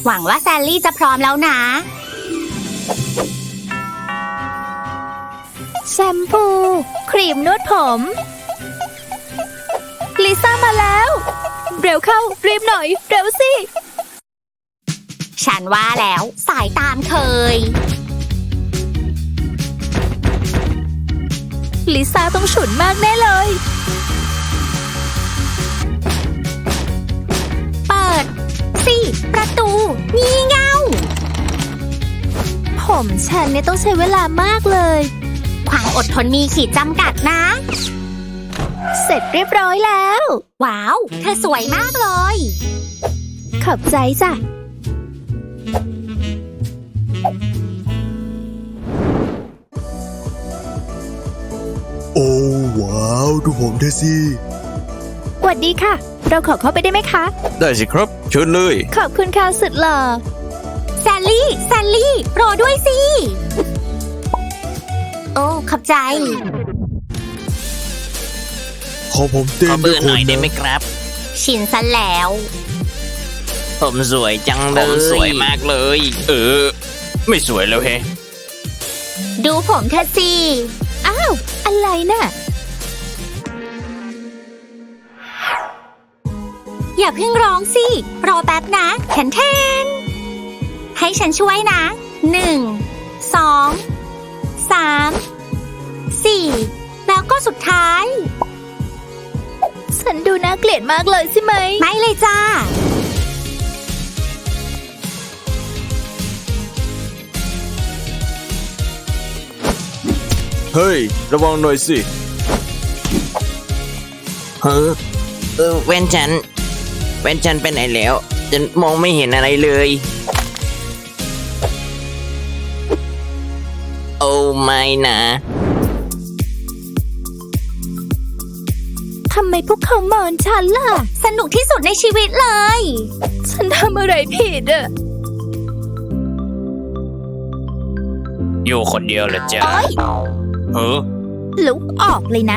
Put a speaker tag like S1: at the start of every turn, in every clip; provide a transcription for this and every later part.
S1: หวังว่าแซลลี่จะพร้อมแล้วนะ
S2: แชมพู ครีมนวดผม ลิซ่ามาแล้ว เร็วเข้ารีบหน่อย เร็วสิ
S1: ฉันว่าแล้วสายตามเคย
S2: ลิซ่าต้องฉุนมากแน่เลย
S1: เปิดสิประตูงี่เง่า
S2: ผมฉันเนี่ยต้องใช้เวลามากเลย
S1: ความอดทนมีขีดจำกัดนะ
S2: เสร็จเรียบร้อยแล้ว
S1: ว้าว เธอสวยมากเลย
S2: ขอบใจจ้ะ
S3: โอ้ว้าวดูผมเธอสิ
S2: สวัสดีค่ะ เราขอเข้าไปได้ไหมคะ
S4: ได้สิครับเชิญเลย
S2: ขอบคุณค่ะสุดหล่อ
S1: แซลลี่ รอด้วยสิ โอ้ ขอบใจ
S3: ขอผมเต้
S5: ขอน
S3: ด้
S5: เบ
S3: ว
S5: อย ร์
S3: ค
S5: หน่
S3: น
S5: อยได้
S3: นะ
S5: ไหมครับ
S1: ชินซะแล้ว
S5: ผมสวยจังเลย
S4: ผมสวยมากเลย ไม่สวยแล้วเฮ
S1: ดูผมเธอสิ
S2: อ้าว อะไรน่ะ
S1: อย่าเพิ่งร้องสิ รอแป๊บนะแทนให้ฉันช่วยนะ 1 2 3 4 แล้วก็สุดท้าย
S2: ฉันดูน่าเกลียดมากเลยใช่ไหม
S1: ไม่เลยจ้า
S3: เฮ้ยระวังหน่อยสิ
S5: เฮ้แว่นฉันไปไหนแล้วฉันมองไม่เห็นอะไรเลย โอ้ไม่นะ
S2: ทำไมพวกเขาเมินฉันล่ะ
S1: สนุกที่สุดในชีวิตเลย
S2: ฉันทำอะไรผิดอะ
S4: อยู่คนเดียวเหรอจ๊ะ
S2: โอ๊ย ลุกออกเลยนะ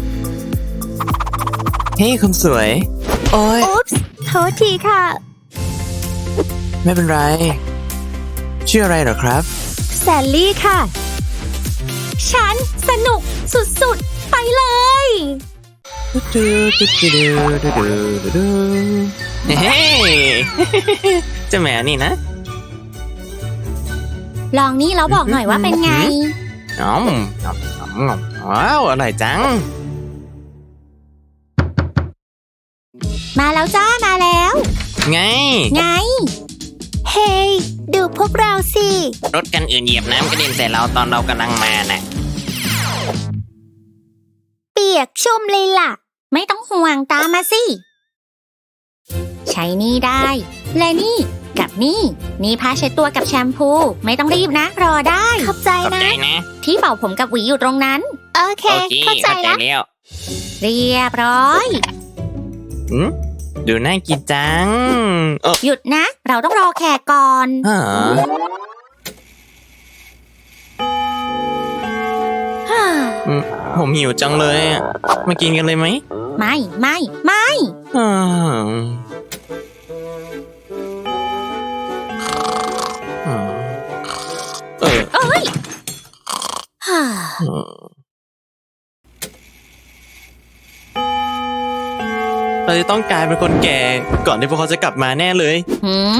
S5: เฮ้ยคนสวย โอ้ย
S2: อุ๊ปส์โทษทีค่ะ
S5: ไม่เป็นไร ชื่ออะไรเหรอครับ
S2: แซลลี่ค่ะ
S1: ฉันสนุกสุดๆ ไปเลย
S5: เฮ้ย เจ้าแมวนี่นะ
S1: ลองนี่แล้วบอกหน่อยว่าเป็นไง
S5: อ๋อว้าวอร่อยจัง
S1: มาแล้วจ้า มาแล้ว
S5: ไง
S1: ไง
S2: เฮ้ย ดูพวกเราสิ
S5: รถกันอื่นเหยียบน้ำกระเด็นใส่เราตอนเรากำลังมาน่ะ
S2: เปียกชุ่มเลยล่ะ
S1: ไม่ต้องห่วงตามมาสิ ใช้นี่ได้ และนี่กับนี่ผ้าเช็ดตัวกับแชมพู ไม่ต้องรีบนะ รอได้
S2: ขอบใจ
S5: ขอบ
S2: นะ
S5: ใจนะ
S1: ที่เป่าผมกับหวีอยู่ตรงนั้น
S2: โอเค
S5: โอเค
S2: เข้าใจ
S5: เข้าใจ
S2: ละ
S5: แล้ว
S1: เรียบร้อย
S5: หืมดูน่ากินจัง
S1: หยุดนะ เราต้องรอแขกก่อน
S5: ฮะ
S1: ฮ่า
S5: ผมหิวจังเลยอะมากินกันเลยไหม
S1: ไม่
S5: อ่าเออ
S1: เอ้ยฮ่า
S5: เราจะต้องกลายเป็นคนแก่ก่อนที่พวกเขาจะกลับมาแน่เลย
S1: หืม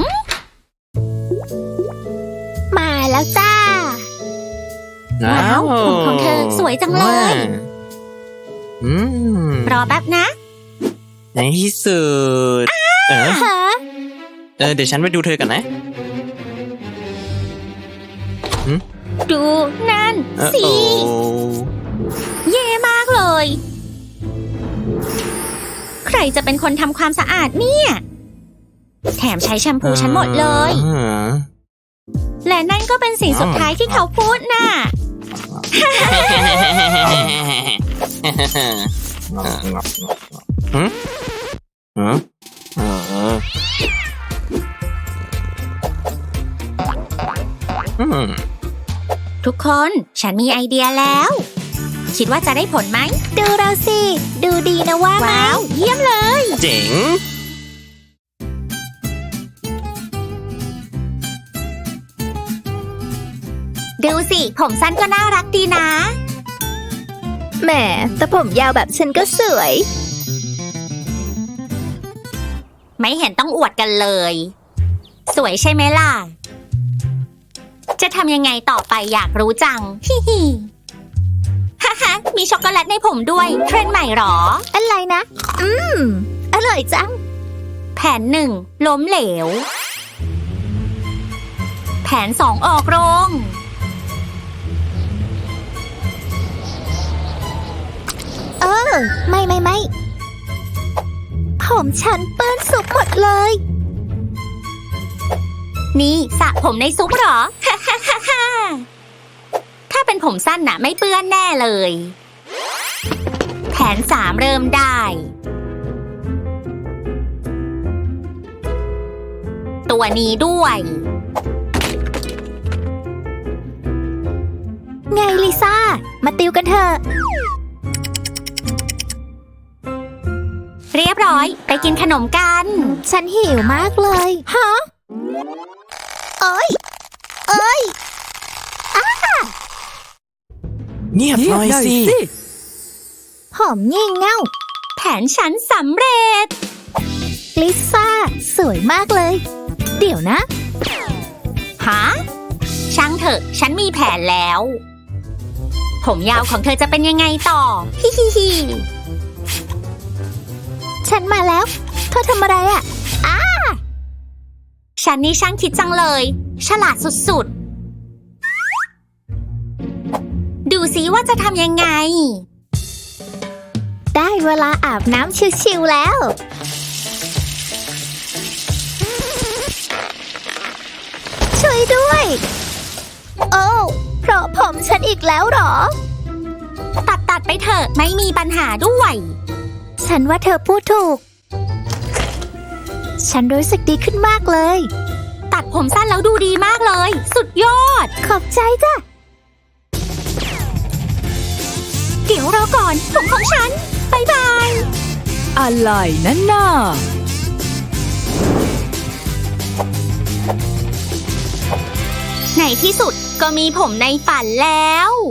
S2: มาแล้วจ้า
S1: ว้าวผมของเธอสวยจังเลย
S5: อืม
S1: รอแป๊บนะ
S5: ในที่สุด
S2: ฮะ
S5: เดี๋ยวฉันไปดูเธอกันนะ
S1: ดูนั่น สิ
S5: โอ้
S1: เย่มากเลย ใครจะเป็นคนทำความสะอาดเนี่ย แถมใช้แชมพูฉันหมดเลย และนั่นก็เป็นสิ่งสุดท้ายที่เขาพูดน่ะ
S5: หืมหืมอืม
S1: ทุกคนฉันมีไอเดียแล้ว คิดว่าจะได้ผลไหม
S2: ดูเราสิ ดูดีนะว่าไหม
S1: ว้าว เยี่ยมเลย
S5: เจ๋ง
S1: ดูสิ ผมสั้นก็น่ารักดีนะ
S2: แหมแต่ผมยาวแบบฉันก็สวย
S1: ไม่เห็นต้องอวดกันเลย สวยใช่ไหมล่ะ จะทำยังไงต่อไปอยากรู้จัง ฮิฮิฮ่าฮ่ามีช็อกโกแลตในผมด้วย เทรนด์ใหม่หรอ
S2: อะไรนะ อร่อยจัง
S1: แผน 1 ล้มเหลว แผน 2 ออกโรง
S2: ไม่ ผมฉันเปื้อนซุปหมดเลย
S1: นี่สระผมในซุปเหรอ ถ้าเป็นผมสั้นน่ะไม่เปื้อนแน่เลย แผน 3 เริ่มได้ ตัวนี้ด้วย
S2: ไงลิซ่า มาติวกันเถอะ
S1: เรียบร้อย ไปกินขนมกัน
S2: ฉันหิวมากเลย ฮะเอ้ย
S5: เงียบหน่อยสิ
S2: ผมงี่เง่า
S1: แผนฉันสำเร็จ
S2: ลิซ่า สวยมากเลย เดี๋ยวนะ
S1: ฮะ ช่างเถอะ ฉันมีแผนแล้ว ผมยาวของเธอจะเป็นยังไงต่อ ฮิฮิฮิ
S2: ฉันมาแล้ว เธอทำอะไรอ่ะ
S1: ฉันนี่ช่างคิดจังเลย ฉลาดสุดๆ ดูซิว่าจะทำยังไง
S2: ได้เวลาอาบน้ำชิวๆแล้ว ช่วยด้วย โอ้เพราะผมฉันอีกแล้วเหรอ
S1: ตัดไปเถอะ ไม่มีปัญหาด้วย
S2: ฉันว่าเธอพูดถูก ฉันรู้สึกดีขึ้นมากเลย
S1: ตัดผมสั้นแล้วดูดีมากเลย สุดยอด
S2: ขอบใจจ้ะ
S1: เดี๋ยวรอก่อน ผมของฉันบายบาย
S6: อะไรนั่นน่ะ
S1: ในที่สุดก็มีผมในฝันแล้ว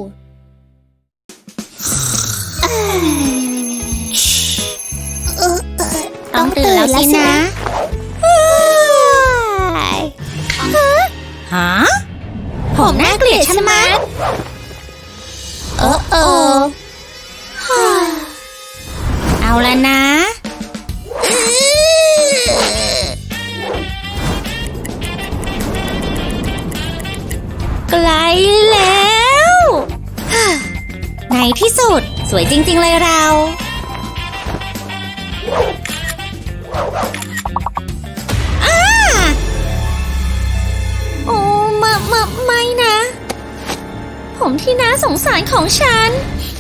S1: ต้องตื่นแล้วสินะ ฮะ ผมน่าเกลียดใช่ไหมเอาละนะ ไกลแล้ว ในที่สุดสวยจริงๆเลยเรา โอ้ไม่นะ ผมที่น่าสงสารของฉัน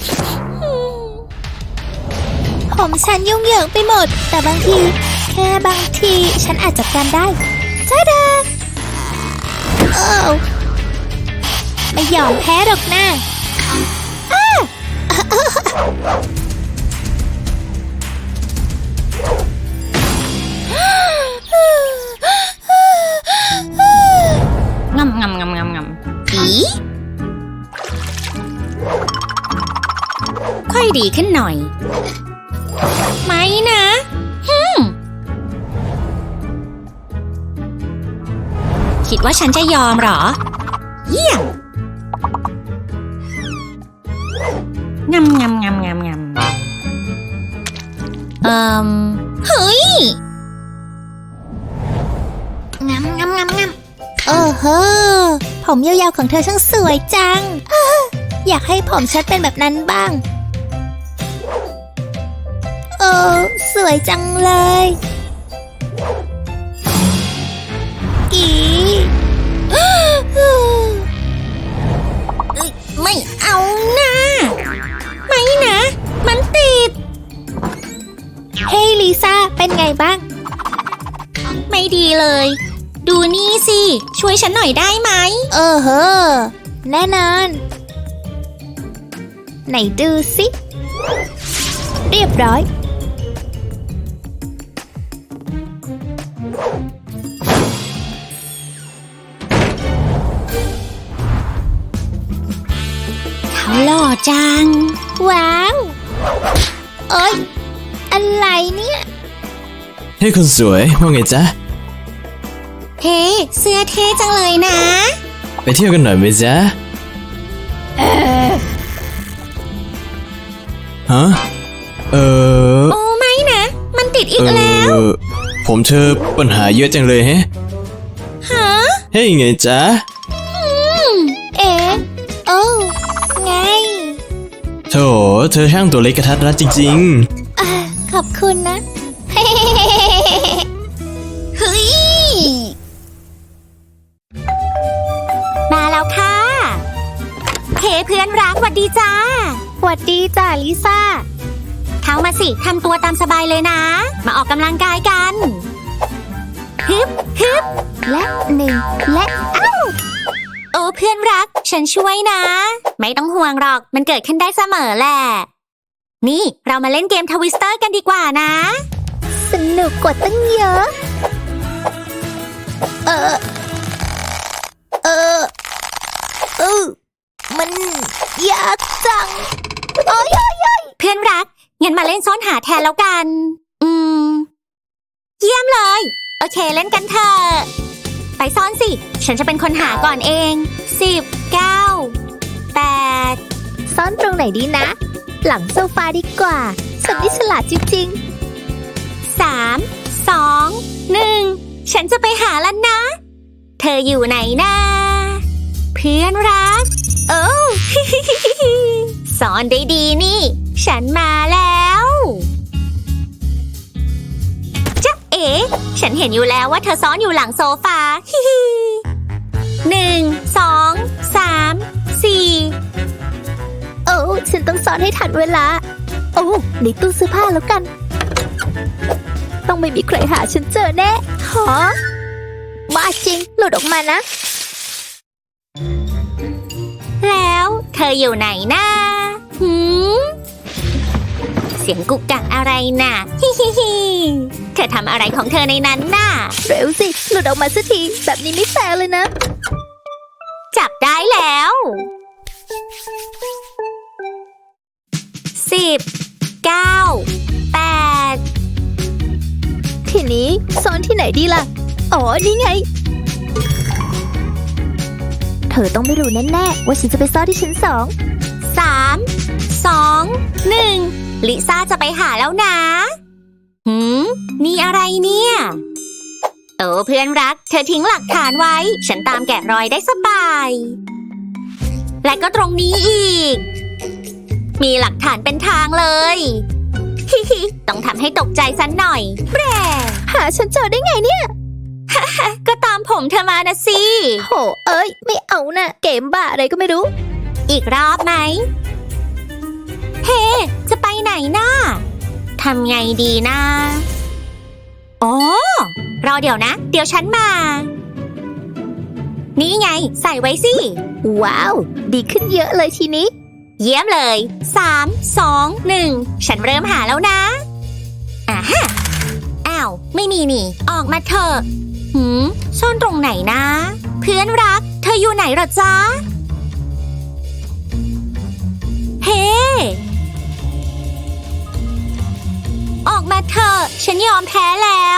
S2: ผมฉันยุ่งเหยิงไปหมด แต่บางที แค่บางที ฉันอาจจัดการได้จ้าดาไม่ยอมแพ้หรอกนะ
S1: งำอีค่อยดีขึ้นหน่อย ไม่นะคิดว่าฉันจะยอมเหรอ เยี่ยมงำเฮ้ยงำ
S2: โอ้โหผมยาวๆของเธอช่างสวยจัง อยากให้ผมฉันเป็นแบบนั้นบ้าง โอ้สวยจังเลยกี
S1: ไม่เอานะไม่นะ มันติด
S2: เฮ้ยลิซ่าเป็นไงบ้าง
S1: ไม่ดีเลย ดูนี่สิ ช่วยฉันหน่อยได้ไหม
S2: แน่นอน ไหนดูสิ เรียบร้อย
S1: จัง
S2: ว้าวเอ้ยอะไรเนี่ย
S4: เฮ้ยคนสวยว่าไงจ๊ะ
S1: เฮ้เสื้อเท่จังเลยนะ
S4: ไปเที่ยวกันหน่อยไหมจ๊ะฮะ
S1: โอ้ไม่นะ มันติดอีกแล้ว
S4: ผมเธอปัญหาเยอะจังเลยแฮะ
S1: ฮะ
S4: เฮ้ยไงจ๊ะ
S2: เอ๊ะโอ้ไง
S4: โถเธอช่างตัวเล็กกระทัดรัดจริง
S2: อ่าขอบคุณนะ
S1: เฮ้ย มาแล้วค่ะ เฮ้เพื่อนรักหวัดดีจ้า
S2: สวัสดีจ้าลิซ่า
S1: เข้ามาสิทำตัวตามสบายเลยนะ มาออกกำลังกายกันฮึบฮึบ
S2: และหนึ่งและเอ้า
S1: โอ้เพื่อนรัก ฉันช่วยนะ ไม่ต้องห่วงหรอกมันเกิดขึ้นได้เสมอแหละ นี่เรามาเล่นเกมทวิสเตอร์กันดีกว่านะ
S2: สนุกกว่าตั้งเยอะเออมันยากจังโอ้ย
S1: เพื่อนรักงั้นมาเล่นซ่อนหาแทนแล้วกัน เยี่ยมเลย โอเคเล่นกันเถอะ ไปซ่อนสิ ฉันจะเป็นคนหาก่อนเอง 10 9 8
S2: ซ่อนตรงไหนดีนะ หลังโซฟาดีกว่าฉันนี่ฉลาดจริง
S1: 3 2 1 ฉันจะไปหาแล้วนะ เธออยู่ไหนนะเพื่อนรัก โอ้ ซ่อนได้ดีนี่ ฉันมาแล้วจ๊ะเอ๋ฉันเห็นอยู่แล้วว่าเธอซ่อนอยู่หลังโซฟา 1 2 3 4
S2: โอ้ฉันต้องซ่อนให้ทันเวลา โอ้ในตู้เสื้อผ้าแล้วกัน ต้องไม่มีใครหาฉันเจอแน่หอบ้าจริงหลุดออกมานะ
S1: แล้วเธออยู่ไหนนะเสียงกุกกักอะไรน่ะ ฮิฮิฮิเธอทำอะไรของเธอในนั้นน่ะ
S2: เร็วสิ หลุดออกมาสักที แบบนี้ไม่แฟร์เลยนะ
S1: จับได้แล้ว 10 9 8
S2: ทีนี้ซ่อนที่ไหนดีล่ะ อ๋อ นี่ไง เธอต้องไม่รู้แน่ๆว่าฉันจะไปซ่อนที่ชั้น2
S1: 3 2 1 ลิซ่าจะไปหาแล้วนะนี่อะไรเนี่ย โอ้เพื่อนรัก เธอทิ้งหลักฐานไว้ ฉันตามแกะรอยได้สบาย และก็ตรงนี้อีก มีหลักฐานเป็นทางเลย ฮิฮิต้องทำให้ตกใจสันหน่อยแบร
S2: หาฉันเจอได้ไงเนี่ย
S1: ก็ตามผมเธอมานะสิ
S2: โห เอ้ย ไม่เอานะ เกมบ้าอะไรก็ไม่รู้
S1: อีกรอบไหม เฮ้ จะไปไหนน่ะทำไงดีนะอ๋อรอเดี๋ยวนะ เดี๋ยวฉันมา นี่ไง ใส่ไว้สิ
S2: ว้าว ดีขึ้นเยอะเลยทีนี้
S1: เยี่ยมเลย 3 2 1 ฉันเริ่มหาแล้วนะอ่าฮะอ้าว ไม่มีนี่ ออกมาเถอะซ่อนตรงไหนนะ เพื่อนรัก เธออยู่ไหนหรอจ๊ะ เฮ้ ออกมาเถอะ ฉันยอมแพ้แล้ว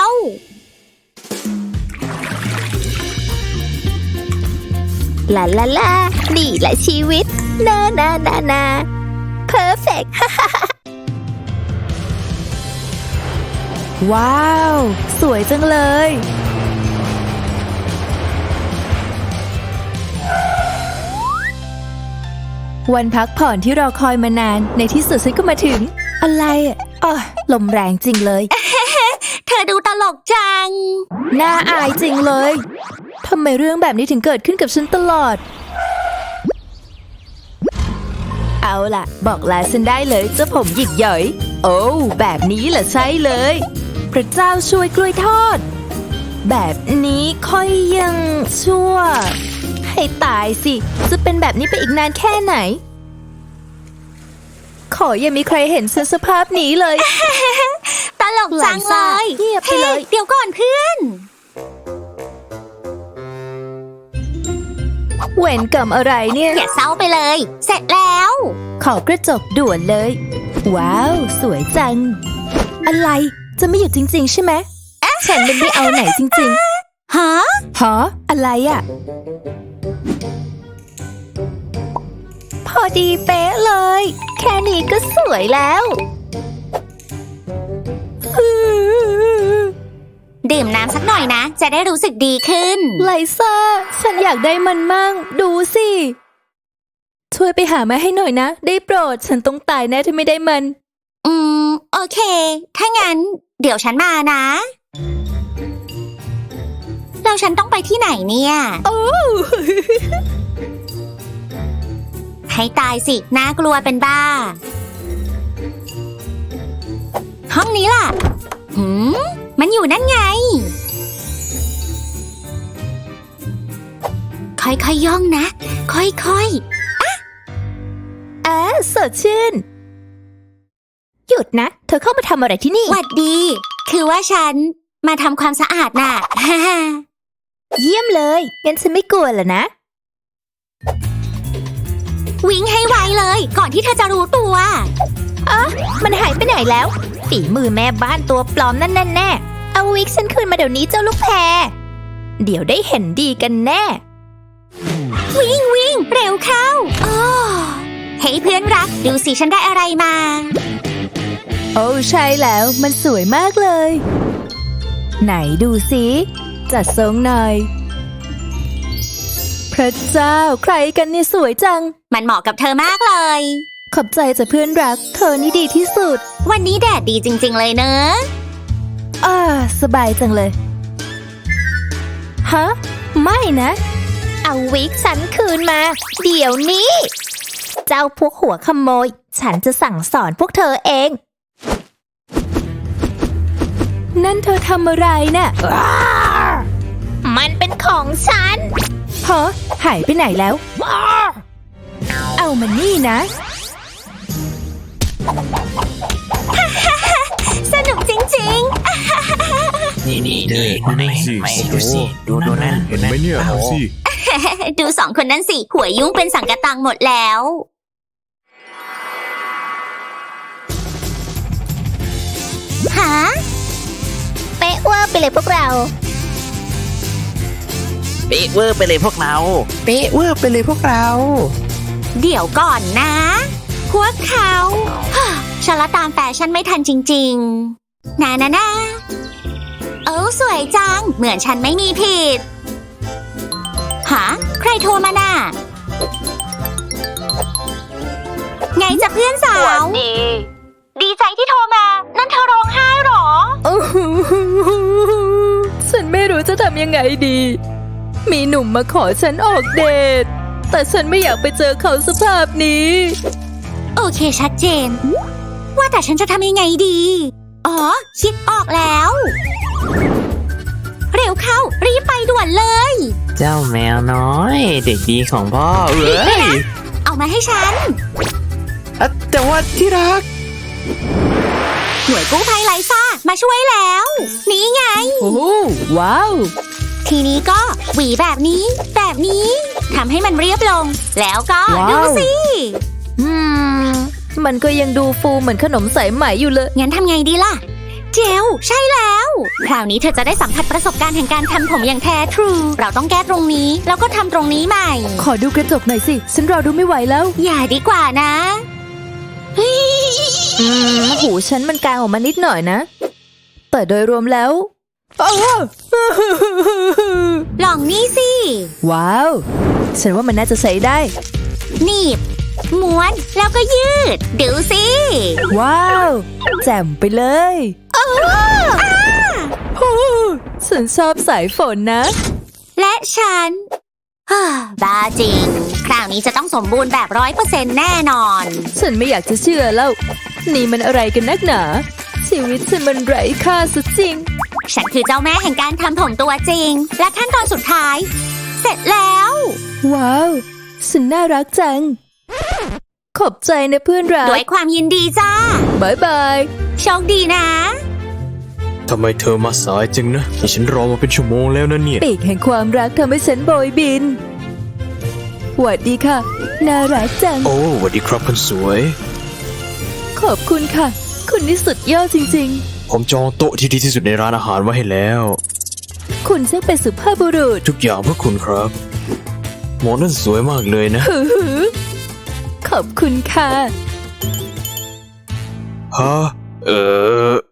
S2: ลาลาลา นี่แหละชีวิต นาเพอร์เฟก
S6: ว้าว สวยจังเลย วันพักผ่อนที่รอคอยมานานในที่สุดฉันก็มาถึง อะไรอ่ะอ้อลมแรงจริงเลย
S1: เธอดูตลกจัง
S6: น่าอายจริงเลยทำไมเรื่องแบบนี้ถึงเกิดขึ้นกับฉันตลอด เอาล่ะ บอกลาฉันได้เลยเจ้าผมหยิกหย่อย โอ้แบบนี้แหละใช่เลย พระเจ้าช่วยกล้วยทอด แบบนี้ค่อยยังชั่ว ให้ตายสิ จะเป็นแบบนี้ไปอีกนานแค่ไหน ขออย่ามีใครเห็นฉันสภาพนี้เลย
S1: ตลกจังเลย
S6: เงียบไปเลย
S1: เดี๋ยวก่อนเพื่อน
S6: เวรกรรมอะไรเนี่ย
S1: อย่าเศร้าไปเลย เสร็จแล้ว
S6: ขอกระจกด่วนเลย ว้าว สวยจัง อะไรจะไม่หยุดจริงๆใช่ไหมฉันไม่เอาไหนจริง
S1: ฮะ
S6: ๆหออะไรอะ พอดีเป๊ะเลย แค่นี้ก็สวยแล้ว
S1: ดื่มน้ำสักหน่อยนะ จะได้รู้สึกดีขึ้น
S6: ไลซ่า ฉันอยากได้มันมั่ง ดูสิ ช่วยไปหามาให้หน่อยนะ ได้โปรด ฉันต้องตายแน่ถ้าไม่ได้มัน
S1: โอเค ถ้างั้น เดี๋ยวฉันมานะ แล้วฉันต้องไปที่ไหนเนี่ย
S6: โอ้
S1: ให้ตายสิ น่ากลัวเป็นบ้า ห้องนี้ล่ะ มันอยู่นั่นไง ค่อยๆย่องนะ ค่อย
S6: สดชื่น หยุดนะ เธอเข้ามาทำอะไรที่นี่
S1: ๆหวัดดี คือว่าฉันมาทำความสะอาดน่ะ
S6: เยี่ยมเลยงั้นฉันไม่กลัวแล้วนะ
S1: วิ่งให้ไวเลย ก่อนที่เธอจะรู้ตัว
S2: มันหายไปไหนแล้ว ฝีมือแม่บ้านตัวปลอมนั่นแน่ๆเอาวิกฉันคืนมาเดี๋ยวนี้เจ้าลูกแพร
S6: เดี๋ยวได้เห็นดีกันแน่
S1: วิ่งเร็วเข้าอ้อเฮ้ยเพื่อนรัก ดูสิฉันได้อะไรมา
S6: โอ้ใช่แล้วมันสวยมากเลย ไหนดูสิจัดทรงหน่อย พระเจ้าใครกันเนี่ยสวยจัง
S1: มันเหมาะกับเธอมากเลย
S6: ขอบใจจ้ะเพื่อนรัก เธอนี่ดีที่สุด
S1: วันนี้แดดดีจริงๆเลยเนอะ
S6: สบายจังเลย ฮะ ไม่นะ
S2: เอาวิกฉันคืนมา เดี๋ยวนี้ เจ้าพวกหัวขโมย ฉันจะสั่งสอนพวกเธอเอง
S6: นั่นเธอทำอะไรน่ะ
S2: มันเป็นของฉัน
S6: ฮะหายไปไหนแล้ว เอามันนี่นะ
S1: สนุกจริง
S5: นี่ดูนี่ไม่ดูสิดูนั่น
S3: เห็นไหมเนี่ยดูสิ
S1: ๆ ดูสองคนนั้นสิ หัวยุ่งเป็นสังกะตังหมดแล้ว หา
S2: เป๊ะเวอร์ไปเลยพวกเรา
S5: เป๊ะเวอร์ไปเลยพวกเรา เป๊ะเวอร์ไปเลยพวกเรา
S1: เดี๋ยวก่อนนะ พวกเขาฮ่าฉันละตามแฟชั่นไม่ทันจริงๆนะสวยจัง เหมือนฉันไม่มีผิดหาใครโทรมาน่ะ ไงจะเพื่อนสาว ดีใจที่โทรมา นั่นเธอร้องไห้หรอ
S6: ฉันไม่รู้จะทำยังไงดี มีหนุ่มมาขอฉันออกเดท แต่ฉันไม่อยากไปเจอเขาสภาพนี้
S1: โอเคชัดเจน ว่าแต่ฉันจะทำยังไงดี อ๋อ คิดออกแล้ว เร็วเข้า รีบไปด่วนเลย
S5: เจ้าแมวน้อย เด็กดีของพ่อเอ้ย
S1: เอามาให้ฉัน
S5: แต่ว่าที่รัก
S1: หน่วยกู้ภัยไลซ่ามาช่วยแล้ว นี่ไง
S6: โอ้ว้าว
S1: ทีนี้ก็หวีแบบนี้ทำให้มันเรียบลง แล้วก็
S6: ว้าว
S1: ดูสิ
S6: มันก็ยังดูฟูเหมือนขนมสายไหมอยู่เลย
S1: งั้นทำไงดีล่ะ เจลใช่แล้ว คราวนี้เธอจะได้สัมผัสประสบการณ์แห่งการทำผมอย่างแท้ทรู เราต้องแก้ตรงนี้ แล้วก็ทำตรงนี้ใหม่
S6: ขอดูกระจกหน่อยสิ ฉันรอดูไม่ไหวแล้ว
S1: อย่าดีกว่านะ
S6: หูฉันมันกลางออกมานิดหน่อยนะ แต่โดยรวมแล้วอ้าว
S1: ลองนี่สิ
S6: ว้าว ฉันว่ามันน่าจะใช้ได้
S1: หนีบ ม้วน แล้วก็ยืด ดูสิ
S6: ว้าว แจ่มไปเลยโอ้ฉันชอบสายฝนนะ
S1: และฉัน บ้าจริง คราวนี้จะต้องสมบูรณ์แบบ 100% แน่นอน
S6: ฉันไม่อยากจะเชื่อแล้ว นี่มันอะไรกันนักหนา ชีวิตฉันมันไร้ค่าซะจริง
S1: ฉันคือเจ้าแม่แห่งการทำผมตัวจริง และขั้นตอนสุดท้าย เสร็จแล้ว
S6: ว้าว ฉันน่ารักจัง ขอบใจนะเพื่อนรัก
S1: ด้วยความยินดีจ้า
S6: บายบาย
S1: โชคดีนะ
S3: ทำไมเธอมาสายจังนะฉันรอมาเป็นชั่วโมงแล้วนะเนี่ย
S6: ปีกแห่งความรักทำให้ฉันโบยบินหวัดดีค่ะ น่ารักจัง
S4: โอ้สวัสดีครับคนสวย
S6: ขอบคุณค่ะ คุณนี่สุดยอดจริง
S4: ผมจองโต๊ะที่ดีที่สุดในร้านอาหารไว้ให้แล้ว
S6: ๆ คุณช่างเป็นสุภาพบุรุษ
S4: ทุกอย่างเพื่อคุณครับหมอนั่นสวยมากเลยนะ
S6: หือขอบคุณค่ะ
S4: ฮะ